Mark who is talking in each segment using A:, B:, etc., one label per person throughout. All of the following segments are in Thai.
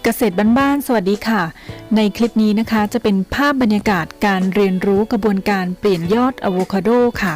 A: ษตรบ้านๆสวัสดีค่ะในคลิปนี้นะคะจะเป็นภาพบรรยากาศการเรียนรู้กระบวนการเปลี่ยนยอดอะโวคาโดค่ะ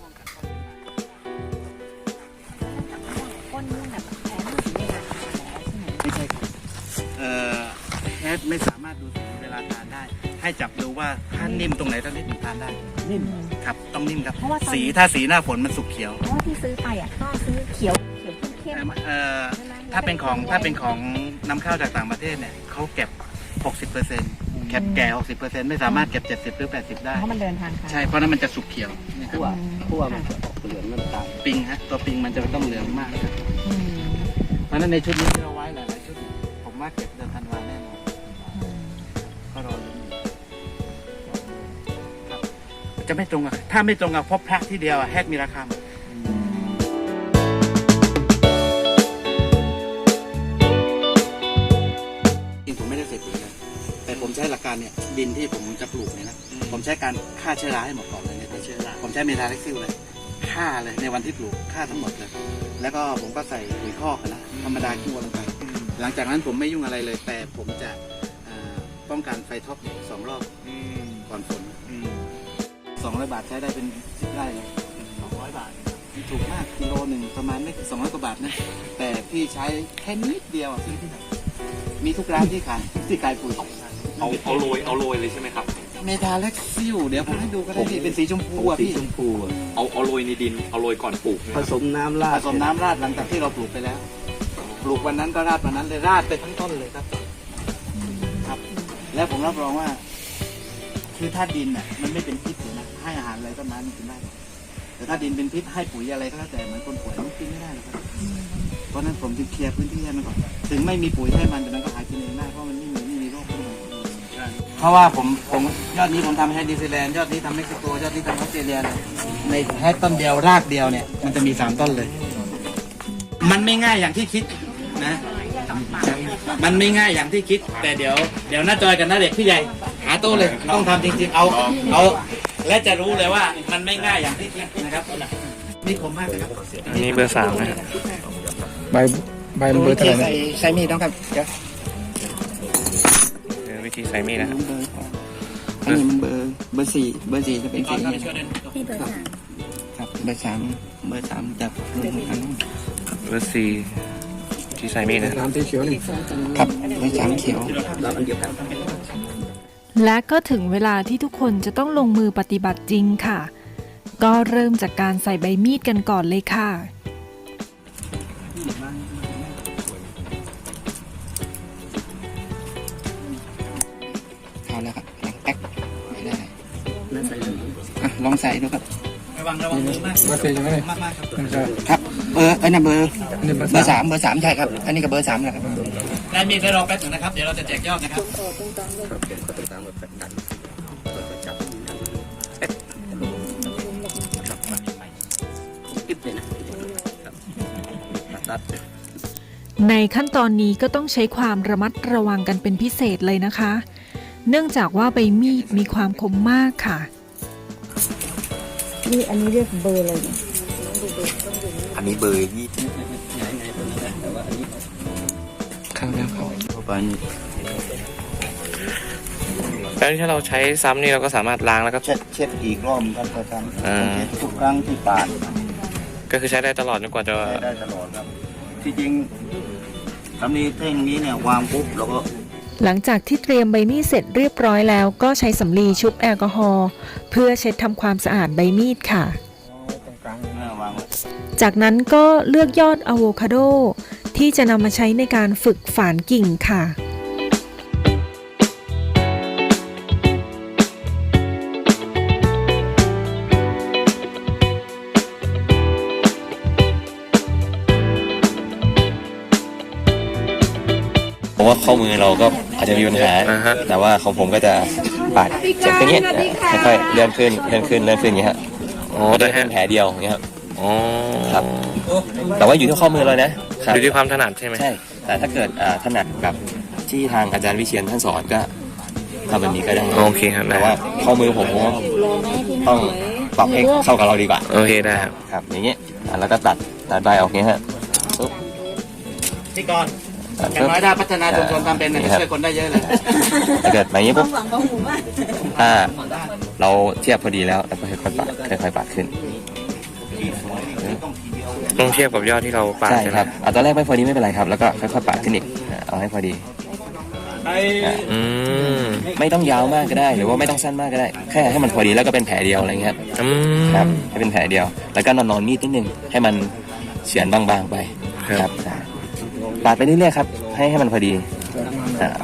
B: ไม่ใช่ครับแฮชไม่สามารถดูสีเวลาทานได้ให้จับดูว่าถ้านิ่มตรงไหนต้องนิ่มทานได้นิ่มครับต้องนิ่มครับสีถ้าสีหน้าฝนมันสุกเขียว
C: เพราะว่าที่ซื้อไปก็ซื้อเขียวเข้ม
B: ถ้าเป็นของนำเข้าจากต่างประเทศเนี่ยเขาเก็บ 60%แก่ 60%ไม่สามารถเก็บ 70 หรือ 80 ได้
C: เพราะมันเดินทางค่ะ
B: ใช่เพราะนั้นมันจะสุกเขียวนะครับ
D: คั่วมันจะออกเหลืองน้ำตาล
B: ปิงฮะตัวปิงมันจะต้องเหลืองมากครับเพราะนั้นในชุดนี้ที่เราไว้หลายๆชุดผมว่าเก็บเดือนธันวาแน่นอนก็รอลุ้นครับจะไม่ตรงกับถ้าไม่ตรงกับพบพระที่เดียวแฮกมีราคาผมไม่ได้ใส่ปุ๋ยเลยแต่ผมใช้หลักการเนี่ยดินที่ผมจะปลูกเนี่ยนะผมใช้การฆ่าเชื้อราให้หมดก่อนเลยเนี่ยเชื้อราผมใช้เมทาเล็กซิลเลยฆ่าเลยในวันที่ปลูกฆ่าทั้งหมดเลยแล้วก็ผมก็ใส่ปุ๋ยคอกนะธรรมดาขี้วัวลงไปหลังจากนั้นผมไม่ยุ่งอะไรเลยแต่ผมจะป้องกันไฟท็อป2 รอบก่อนฝน200 บาทใช้ได้เป็น10 ไร่เลย200 บาทถูกมากกิโลหนึ่งประมาณไม่200 กว่าบาทนะแต่พี่ใช้แค่นิดเดียวซื้อที่ไหนมีทุกร้านที่ขายปุ๋ย
D: เอาโรยเลยใช่ไหมครับ
B: เมทาเล็กซิลเดี๋ยวผมให้ดูก็ได้พี่เป็นสีชมพูอ่ะพี่
D: ชมพูเอาโรยในดินเอาโรยก่อนปลูก
B: ผสมน้ำราดหลังจากที่เราปลูกไปแล้วปลูกวันนั้นก็ราดวันนั้นเลยราดไปทั้งต้นเลยครับแล้วผมรับรองว่าคือถ้าดินอ่ะมันไม่เป็นพิษเลยนะให้อาหารอะไรต้นไม้มันกินได้แต่ถ้าดินเป็นพิษให้ปุ๋ยอะไรก็แล้วแต่เหมือนคนป่วยมันกินไม่ได้หรอกครับเพราะนั้นผมจึงเคลียร์พื้นที่ให้มันก่อนถึงไม่มีปุ๋ยให้มันแต่มันก็หากินเองได้เพราะมันไม่มีโรคเพราะว่าผมยอดนี้ผมทำให้นิวซีแลนด์ยอดนี้ทำเม็กซิโกยอดนี้ทำออสเตรเลียในแค่ต้นเดียวรากเดียวเนี่ยมันจะมี3 ต้นเลยมันไม่ง่ายอย่างที่คิดนะมันไม่ง่ายอย่างที่คิดแต่เดี๋ยวน้าจอยกับน้าเด็กพี่ใหญ่หาโต้เลยต้องทำจริงๆเอาและจะรู้เลยว่ามันไม่ง่ายอย่างที่คิดนะครับนี่คมมากนะครับ
E: อันนี้เบอร์ 3นะครับ
D: ใบเบอร์เท่าไหร่
B: ใช้มีดต้องครับเดี๋ยว
E: วิธีใส่มีดนะครับ
D: อันนี้มันเบอร์ 4เบอร์ 4จะเป็นสีนี้ครับเบอร์ 3จะลงกัน
E: เบอร์ 4ที่ใส่มีดนะ
D: 3สีเขียวนี่ครับเบอร์ 3เขียว
A: และก็ถึงเวลาที่ทุกคนจะต้องลงมือปฏิบัติจริงค่ะก็เริ่มจากการใส่ใบมีดกันก่อนเลยค่ะ
D: เอาแล้วครับแป๊กไม่ได้ลองใส่ดูครับ
B: ระวังมือมากเบอร์4ใช่ไหมมาก
D: ครับเบอร์เบอร์ 3ใช่ครับอันนี้ก็เบอร์ 3นะครับ
B: ได้มีได้รอแป๊บนึงนะครับเดี๋ยวเราจะแจกยอดนะครับ
A: ในขั้นตอนนี้ก็ต้องใช้ความระมัดระวังกันเป็นพิเศษเลยนะคะเนื่องจากว่าใบมีดมีความคมมากค่ะ
C: นี่อันนี้เรียกเบอร์เลยเนี่ย
D: อันนี้เบอร์20ข้างแล้วครับเข้าไปนี่
E: แล้วถ้าเราใช้ซ้ำนี่เราก็สามารถล้างแล้วก็
D: เช็ดอีกรอบครับประจำทุกครั้งที่ปาด
E: ก็คือใช้ได้ตลอดจนกว่าจะ
D: ได้ตลอดครับที่จริงสำลีเท่งนี้เนี่ยวางปุ๊บแล้วก็
A: หลังจากที่เตรียมใบมีดเสร็จเรียบร้อยแล้วก็ใช้สำลีชุบแอลกอฮอล์เพื่อเช็ดทำความสะอาดใบมีดค่ะจากนั้นก็เลือกยอดอะโวคาโดที่จะนำมาใช้ในการฝึกฝานกิ่งค่ะ
F: ผมว่าข้อมือเราก็อาจจะมีปัญหาแต่ว่าของผมก็จะปาดจากตรงนี้ค่อยๆเลื่อนขึ้นอย่างเงี้ยฮะได้แค่แผลเดียวอย่างเงี้ยครับแต่ว่าอยู่ที่ข้อมือเรานะ
E: อยู่ที่ความถนัดใช่ไหม
F: ใช่แต่ถ้าเกิดถนัดแบบที่ทางอาจารย์วิเชียรท่านสอนก็ทำแบบนี้ก็ได้
E: โอเคครับ
F: แต่ว่าข้อมือผมต้องปรับให้เข้ากับเราดีกว่า
E: โอเคได้
F: ครับอย่างเงี้ยแล้วก็ตัดใบออกเงี้ยฮะ
B: ที่ก่อนอย่างน้อยถ้าพัฒนาชุมชนทำเป็นเนี่ยจะช่วยคนได้เยอะเลย
F: ถ้าเกิดมาอย่างนี้ปุ๊บถ้าเราเทียบพอดีแล้วเราก็ค่อยๆปาดค่อยๆปาดขึ้น
E: ต้องเทียบกับยอดที่เราปาด
F: ใช่
E: ใช่ไห
F: ค
E: ม
F: รับตอนแรกไม่พอดีไม่เป็นไรครับ แล้วก็ค่อยๆปาดขึ้นอีกเอาให้พอดี
E: อืม
F: ไม่ต้องยาวมากก็ได้ หรือว่าไม่ต้องสั้นมากก็ได้ แค่ให้มันพอดีแล้วก็เป็นแผลเดียวอะไรเงี้ย
E: อืม
F: ครับให้เป็นแผลเดียว แล้วก็นอนมีดนิดนึงให้มันเฉือนบางๆไป
E: ครับ
F: ปาดไปเรื่อยๆครับให้มันพอดีอ่า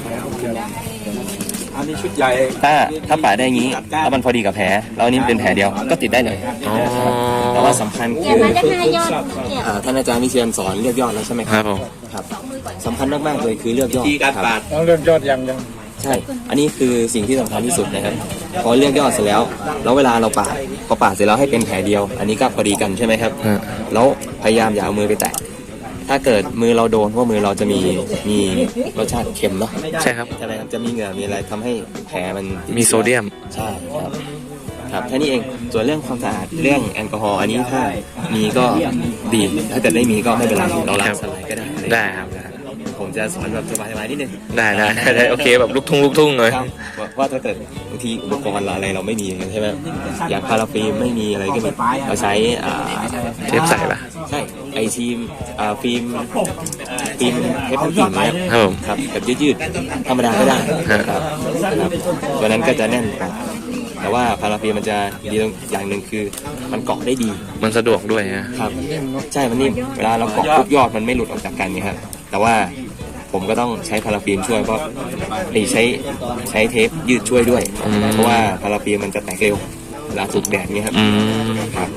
G: อันนี้ชุดใหญ่
F: ถ้าปาดได้อย่างนี้แล้วมันพอดีกับแผลแล้วอันนี้เป็นแผลเดียวก็ติดได้เลย
E: อ๋อ
F: แต่ว่าสำคัญคือ
C: มันจะนายยอดเกี่ยว
F: ท่านอาจารย์วิเชียรสอนเลือกยอดแล้วใช่ไหม
E: ครับผม
F: ครับสำคัญมากๆเลยคือเลือกยอด
G: ที่การ
F: ครับ
G: ปาด
B: ต้องเรื่องยอดยัง
F: ใช่ อันนี้คือสิ่งที่สำคัญที่สุดนะครับพอเลือกยอดเสร็จแล้วเวลาเราปาดพอปาดเสร็จแล้วให้เป็นแผลเดียว อันนี้ก็พอดีกันใช่ไหมครับ
E: ฮะ
F: แล้วพยายามอย่าเอามือไปแตะถ้าเกิดมือเราโดนเพราะมือเราจะมีรสชาติเค็มเนาะ
E: ใช่ครับ
F: ใช่ไหมครับจะมีเหงื่อมีอะไรทำให้แผลมัน
E: มีโซเดียม
F: ใช่ครับครับแค่นี้เองส่วนเรื่องความสะอาดเรื่องแอลกอฮอล์อันนี้ถ้ามีก็ดีถ้าเกิดไม่มีก็ไม่เป็นไรเราล้างสไลด์ก็ได้
E: ได้ครับได้
F: ผมจะสอนแบบสบายๆนิดนึง
E: ได้โอเคแบบลูกทุ่งเลย
F: ครับว่าถ้าเกิดบางทีอุปกรณ์อะไรเราไม่มีอย่างนั้นใช่ไหมอย่างพาราฟิล์มไม่มีอะไรก็มีเราใช้
E: เทปใส่ปะ
F: ใช่ไอทีมฟิล์มเทปพันกิ่งนะครับ
E: ครับผม
F: ครับแบบยืดๆธรรมดาก็ได้ครับตัวนั้นก็จะแน่นกว่าแต่ว่าพาราฟิล์มมันจะดีตรงอย่างหนึ่งคือมันเกาะได้ดี
E: มันสะดวกด้วยนะครับ
F: ใช่มันนิ่มเวลาเราเกาะปุ๊บยอดมันไม่หลุดออกจากกันเนี่ยครับแต่ว่าผมก็ต้องใช้พาราฟิล์มช่วยเพราะใช้เทปยืดช่วยด้วย เพราะว่าพาราฟิล์มมันจะแตกเร็วเวลาถูกแดดเนี่ยครับ
E: อืม
F: ครับ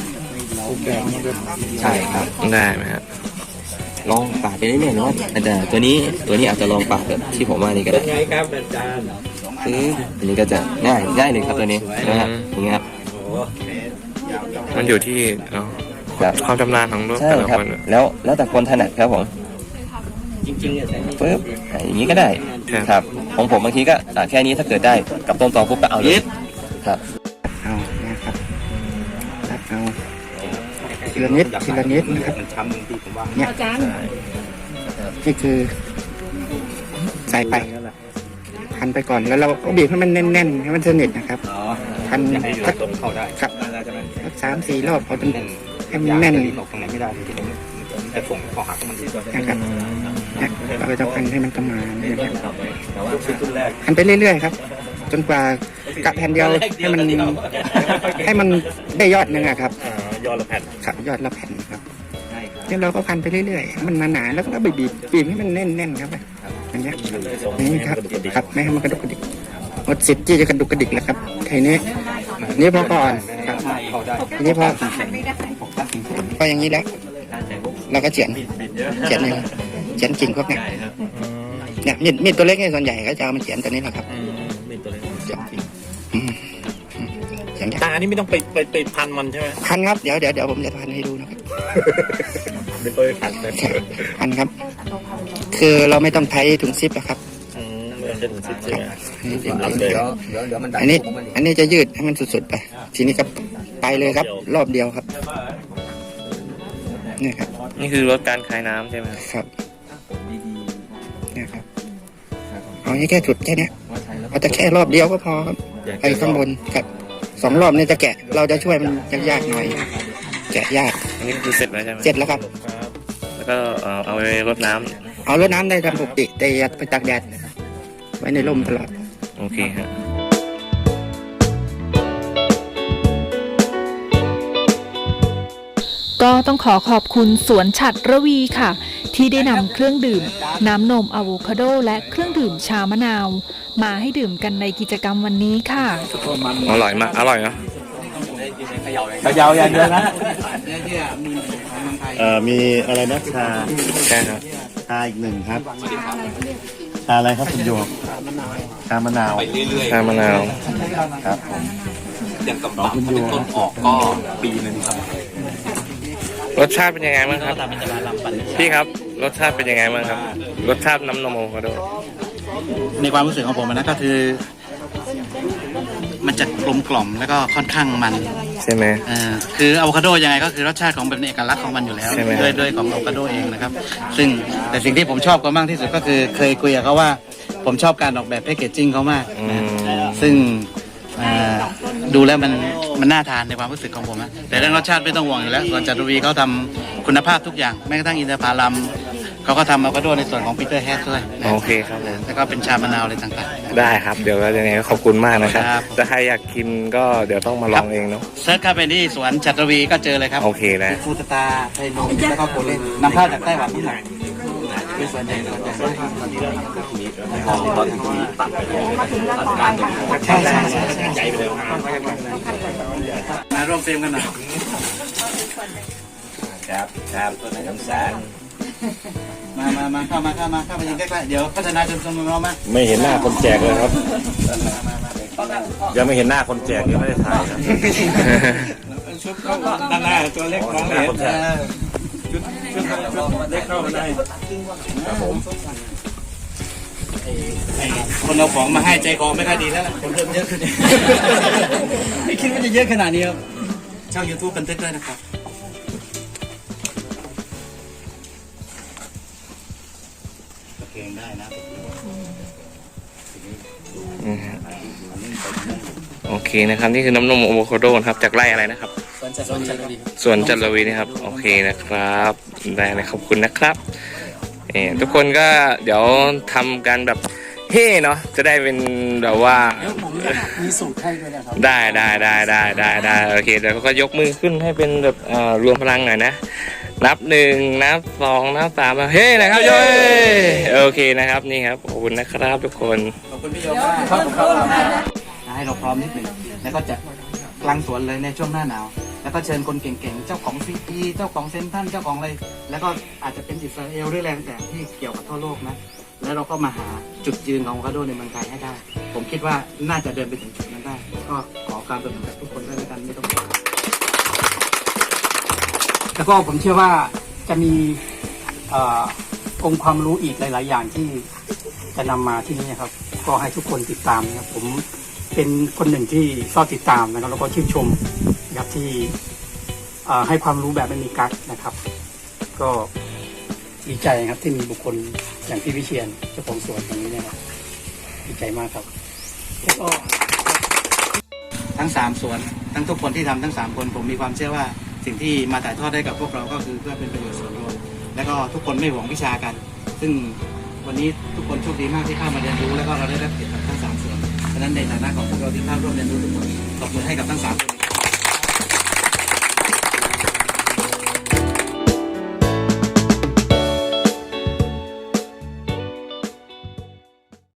F: ใช่ครับ
E: ได้ไหมครับ
F: ลองปาดไปเรื่อยๆเนาะอาจารย์ตัวนี้อาจจะลองปาดแบบที่ผมว่านี่ก็ได้
G: ไงครับอาจารย์
F: อันนี้ก็จะง่ายเลยครับตัวนี้นะครับอย่างเงี้ยครับ
E: มันอยู่ที่
F: ครับ
E: ความชำนาญของ
F: ใช่
E: แต่ละ
F: ครับ
E: คน
F: แล้วแต่คนถนัดครับผม
G: จริงๆเนี่ย
F: ปึ๊บอย่างนี้ก็ได้ครับของผมบางทีก็แค่นี้ถ้าเกิดได้กับต้นตอปุ๊บก็เอาเลยครับ
D: เอานะครับตัดเอาทีละนิดนะครับ
G: มันช้ำบางทีผมว่า
D: เนี่ยนี่คือใส่ไปพันไปก่อนแล้วเราก็บีบให้มันแน่นๆให้มันสนิทนะครับพัน
G: ให้
D: สัก
G: ต้มเข้าได้
D: ครับ
G: ใช่ไหม
D: สัก3-4 รอบเอาจนให้มันแน่น
G: ออกตรงไหนไม่ได้ที่ผมแต่ส่งข้อหักมันดี
D: นะครับเนี่ยเราก็จะพันให้มันประมาณนี้นะครับ
G: แต่ว่าชุดแรก
D: พันไปเรื่อยๆครับ จนกว่ากะแผ่นเดียวให้มันได้ยอดหนึงอะครับ
G: ยอดละแผ่น
D: ครับยอดละแผ่นครับแล้วเราก็พันไปเรื่อยๆให้มันหนาๆแล้วก็บีบให้มันแน่นๆครับอย่างเงี้ยนี่ครับไม่ให้มันกระดุกกระดิกหมดสิทธิ์ที่จะกระดุกกระดิกแล้วครับทีนี้นี่พอก่อนครับทีนี้พออย่างนี้แล้วเราก็เฉียนเลยเฉียนกิ่งพวกเนี้ยเนี่ยมีดตัวเล็กเนี่ยส่วนใหญ่ก็จะเอามาเฉียนตัวนี้แหละครับเฉียนกิ่งเฉียน
G: แต่อันนี้ไม่ต้องไปพันมันใช่ไหม
D: พันครับเดี๋ยวผมจะพันให้ดูนะครับ
G: ไม่ต้องไปพันเลย
D: พันครับ คือเราไม่ต้องใช้ถุงซิปนะครับ
G: ไม่ต้องใช้ถุงซิปใช่ไหม
D: อันนี้จะยืดให้มันสุดๆไป ทีนี้ก็ไปเลยครับ รอบเดียวครับนี่ครับ
E: นี่คือลดการคายน้ำใช่ไหมครับ
D: ครับนี่ครับเอาแค่จุดแค่เนี้ยเอาแต่แค่รอบเดียวก็พอครับไปข้างบนครับ2 รอบนี่จะแกะ เราจะช่วยมันยากๆหน่อย แกะยาก
E: อันนี้คือเสร็จแล้วใช่ไหม
D: เสร็จแล้วครับ
E: แล้วก็เอาไปรดน้ำ
D: เอารดน้ำได้ตามปกติแต่อย่าไปตากแดดไว้ในร่มตลอด
E: โอเคฮะ
A: ก็ต้องขอบคุณสวนฉัตรระวีค่ะ ที่ได้นำเครื่องดื่ม น้ำนมอะโวคาโดและเครื่องดื่มชามะนาว มาให้ดื่มกันในกิจกรรมวันนี้ค่ะ
E: อร่อยมากอร่อยเนาะ
G: ขยาวอย่างเดียวนะ
H: มีอะไรนะชา
E: ใช่ครับ
H: ชาอีก1ครับชาอะไรครับคุณโยกชามะนาว
E: ชามะนาว
H: ครับผม
G: อย่างกับคุณโยต้นออกก็ปีนึงครับ
E: รสชาติเป็นยังไงบ้างครับพี่ครับรสชาติเป็นยังไงบ้างครับรสชาติน้ำนมอะโวคาโด
B: ในความรู้สึกของผมนะก็คือ มันจะกลมกล่อมแล้วก็ค่อนข้างมัน
E: ใช่ไหม
B: คืออะโวคาโดยังไงก็คือรสชาติของเป็นเอกลักษณ์ของมันอยู่แล้ว
E: ใช่ไหม
B: ด้วยของอะโวคาโดเองนะครับซึ่งแต่สิ่งที่ผมชอบก็มากที่สุดก็คือเคยคุยกับเขาว่าผมชอบการออกแบบแพคเกจจิ้งเขามาก
E: อืม
B: ซึ่งดูแล้วมันน่าทานในความรู้สึกของผมนะแต่เรื่องรสชาติไม่ต้องห่วงอยู่แล้วส่วนจัตุรีเขาทำคุณภาพทุกอย่างแม้กระทั่งอินทผลัมเขาก็ทำอะโวคาโดในส่วนของปีเตอร์แฮดด้วยนะ
E: โอเคครับผม
B: แล้วก็เป็นชามะนาวอะไรต่างๆ
E: ได้ครับเดี๋ยวก็ยังไงก็ขอบคุณมากนะครับ
B: ครับ
E: ถ้าใครอยากกินก็เดี๋ยวต้องมาลองเองเนาะ
B: เซิร์ชเข้าไปที่สวนจัตุรีก็เจอเลยครับ
E: โอเคนะ
B: ฟูตตาไทยนมแล้วก็โคเล่นนำเข้าจากไต้หวันนี่แหละเป็นส่วนใหญ่ใช่มาร่วมเฟรมกันหน่อย
F: ครับน้ำแสง
B: มาเข้ามายิงใกล้ๆเดี๋ยวพัฒนาจนสมเรามา
H: ไม่เห็นหน้าคนแจกเลยครับ ยังไม่เห็นหน้าคนแจกยังไม่ได้ถ่ายครับ
B: ด้านหน้าตัวเล็กมองเห็น
H: เล็กเข้ามาได้ครับผม
B: คนเอาของมาให้ใจคอไม่ค่อยดีแล้วล่ะคนเริ่มเยอะขึ้นไม่คิดว่าจะเยอะขนาดนี้ครับช่อง YouTube บันทึกด้วยนะครับเก่งได้นะ
E: โอเคนะครับนี่คือน้ำนมอะโวคาโดนะครับจากไร่อะไรนะครับสวนจันทวีนะครับโอเคนะครับได้เลยขอบคุณนะครับทุกคนก็เดี๋ยวทำกันแบบเฮ่เนาะจะได้เป็นแบบว่ามีสูตรให้ด้วยนะครับได้โอเคเดี๋ยวก็ยกมือขึ้นให้เป็นแบบรวมพลังหน่อยนะนับ1นับ2นับ3เฮ้นะครับโย้โอเคนะครับนี่ครับขอบคุณนะครับทุกคน
B: ขอบคุณพี่โยมากครับให้เราพร้อมนิดหนึ่งแล้วก็จะกลางสวนเลยในช่วงหน้าหนาวแล้วก็เชิญคนเก่งๆเจ้าของซีพีเจ้าของเซนทันเจ้าของอะไรแล้วก็อาจจะเป็นอิสราเอลหรือแรงแต่ที่เกี่ยวกับทั่วโลกนะแล้วเราก็มาหาจุดยืนของอะโวคาโดในเมืองไทยให้ได้ ผมคิดว่าน่าจะเดินไปถึงจุดนั้นได้ก็ขอการสนับสนุนจากทุกคนด้วยแล้วกันไม่ต้องกลัว
I: แล้วก็ผมเชื่อว่าจะมีองค์ความรู้อีกหลาย ๆ อย่างที่จะนำมาที่นี่นะครับ ก็ให้ทุกคนติดตามนะครับผมเป็นคนหนึ่งที่ชอบติดตามนะครับแล้วก็ชื่นชมนะครับที่ให้ความรู้แบบไม่มีกั๊กนะครับ ก็ดีใจครับที่มีบุคคลอย่างพี่วิเชียรเจ้าของสวนตรงนี้นะครับดีใจมากครับแล้วก็
B: ทั้ง3สวนทั้งทุกคนที่ทำทั้ง3คนผมมีความเชื่อว่าสิ่งที่มาถ่ายทอดได้กับพวกเราก็คือเพื่อเป็นประโยชน์ส่วนรวมแล้วก็ทุกคนไม่หวงวิชากัน ซึ่งวันนี้ทุกคนโชคดีมากที่เข้ามาเรียนรู้แล้วก็เราได้รับเกียรติจากทั้ง3ส่วนเพราะฉะนั้นในฐานะของพวกเราที่เข้าร่วมเรียนรู้ทุกคนตบมือให้กับทั้ง3คน